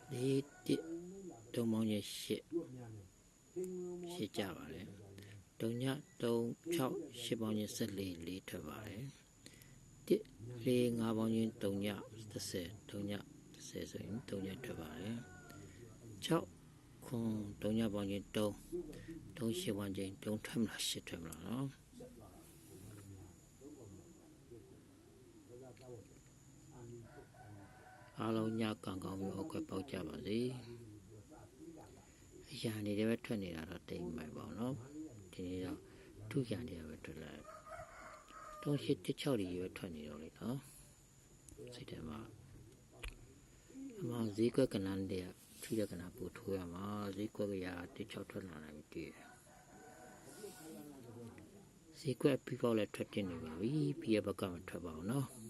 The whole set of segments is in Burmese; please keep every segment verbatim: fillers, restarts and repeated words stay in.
လေးတစ်တုံးပေါင်းချင်းရှစ်ရှစ်ကြပါတယ်တုံညတုံး၆ရှစ်ပေါင်းချင်း၁၄လေးထွက်ပါတယ်တစ်လေးငါးပေါင်းချင်းတုံည၁၀တုံည၁၀ဆိုရင်တုံညထွက်ပါတယ်၆ခွန်တုံညပေါင်းချင်းတုံးတုံးရှစ်ပေါင်းချင်းတုံးထွက်မလားရှစ်ထွက်မလားနော်အားလုံးညကံကောင်းပြီးအခွက်ပေါက်ကြပါစေအရာနေတယ်ပဲထွက်နေတာတော့တိမ်မိုက်ပါတော့ဒီနေ့တော့ထုရံနေရပဲထွက်လိုက်တုံးရှစ်တစ်၆တွေပဲထွက်နေတော့လေနော်စိတ်ထဲမှာအမှဈေးကွက်ကနန်းတဲ့ထီးတဲ့ကနန်းပို့ထိုးရမှာဈေးကွက်ကရာတစ်၆ထွက်လာနိုင်ပြီတည်ဈေးကွက်ပြီးပေါက်လည်းထွက်တင်နေပါပြီပြီးရဘက်ကမထွက်ပါဘူးနော်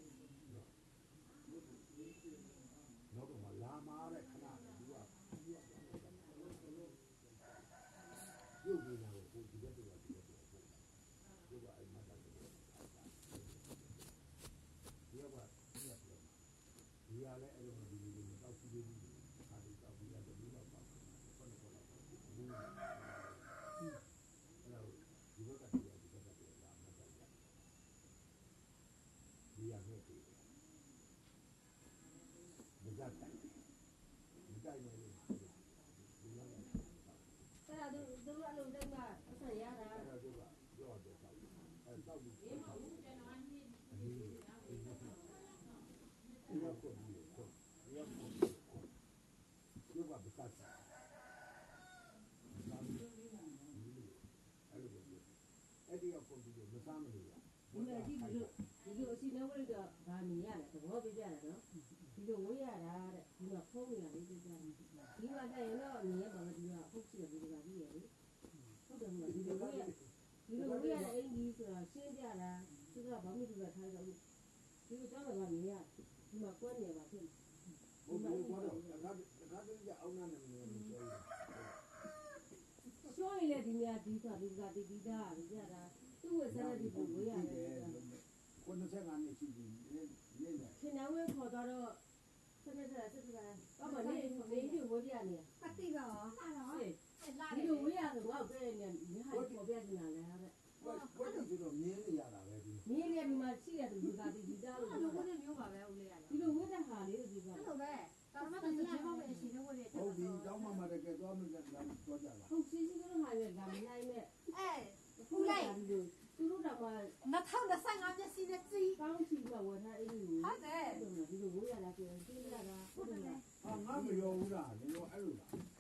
ဒီလိုဒီလိုဒီလိုအစီအမံဝိတော့ဗာနေရတယ်သဘောပြကြတယ်နော်ဒီလိုဝိရတာတဲ့ဒီတော့ဖုံးရလေးပြကြတယ်ဒီမှာတည်းရင်တော့နေရပါမယ်ဒီကဖုတ်ချတယ်ဒီကပြီးရလေဟုတ်တယ်မလားဒီလိုဝိရဒီလိုဝိရတဲ့အင်ကြီးဆိုတာရှင်းပြတာသူကဘာမှမလုပ်ထားတော့ဒီလိုကြောက်တော့နေရဒီမှာကွက်နေပါဖြစ်ဟုတ်တယ်ကွာတော့တခါတခါတည်းကအောင်နာနေတယ်ပြောရရှောင်းရင်လည်းဒီနေရာဒီဆိုတာဒီကဒီဒီတာဒီကြတာသူ့ဝက်စားတဲ့ဒီကိုဝိရတယ်ကိုယ်နှစ်နှစ်ရှိပြီနေနေတယ်ရှင်နဝဲခေါ်တော့ဆက်ဆက်ဆက်ဆက်တော့မနေနေဒီဝိပြနေအတိပါဟာတော့ဒီလိုဝိရဆိုတော့ပဲနေနေဟာပေါ်ပြနေတာလေဟာတဲ့ဘယ်ဘယ်လိုဆိုတော့မြင်းနေရတာပဲဒီမြင်းလေးဒီမှာရှိတယ်ဒီကဒီဒီသားလို့ဒီလိုဝတ်နေမျိုးပါပဲဦးလေးရတယ်ဒီလိုဝတ်တဲ့ဟာလေးဒီကအဲ့လိုပဲဒါမှမဟုတ်ဒီဘောပဲရှိနေဝတ်နေဟုတ်ပြီတောင်းမှမတကယ်သွားမှလည်းတော့ကြလားဟုတ်စီစီကတော့ဟာလေဒါမနိုင်နဲ့အဲဦးလေးသူတို့တော့မှနှစ်ထောင်နှစ်ဆယ့်ငါမျက်စိနဲ့ကြည့်ကောင်းချီတော့ဝယ်ထားအဲ့ဒီဟုတ်တယ်ဒီလိုဝယ်ရတာပြန်သိရတာဟုတ်တယ်ဟာငါမရောဘူးလားဒီလိုအဲ့လိုလား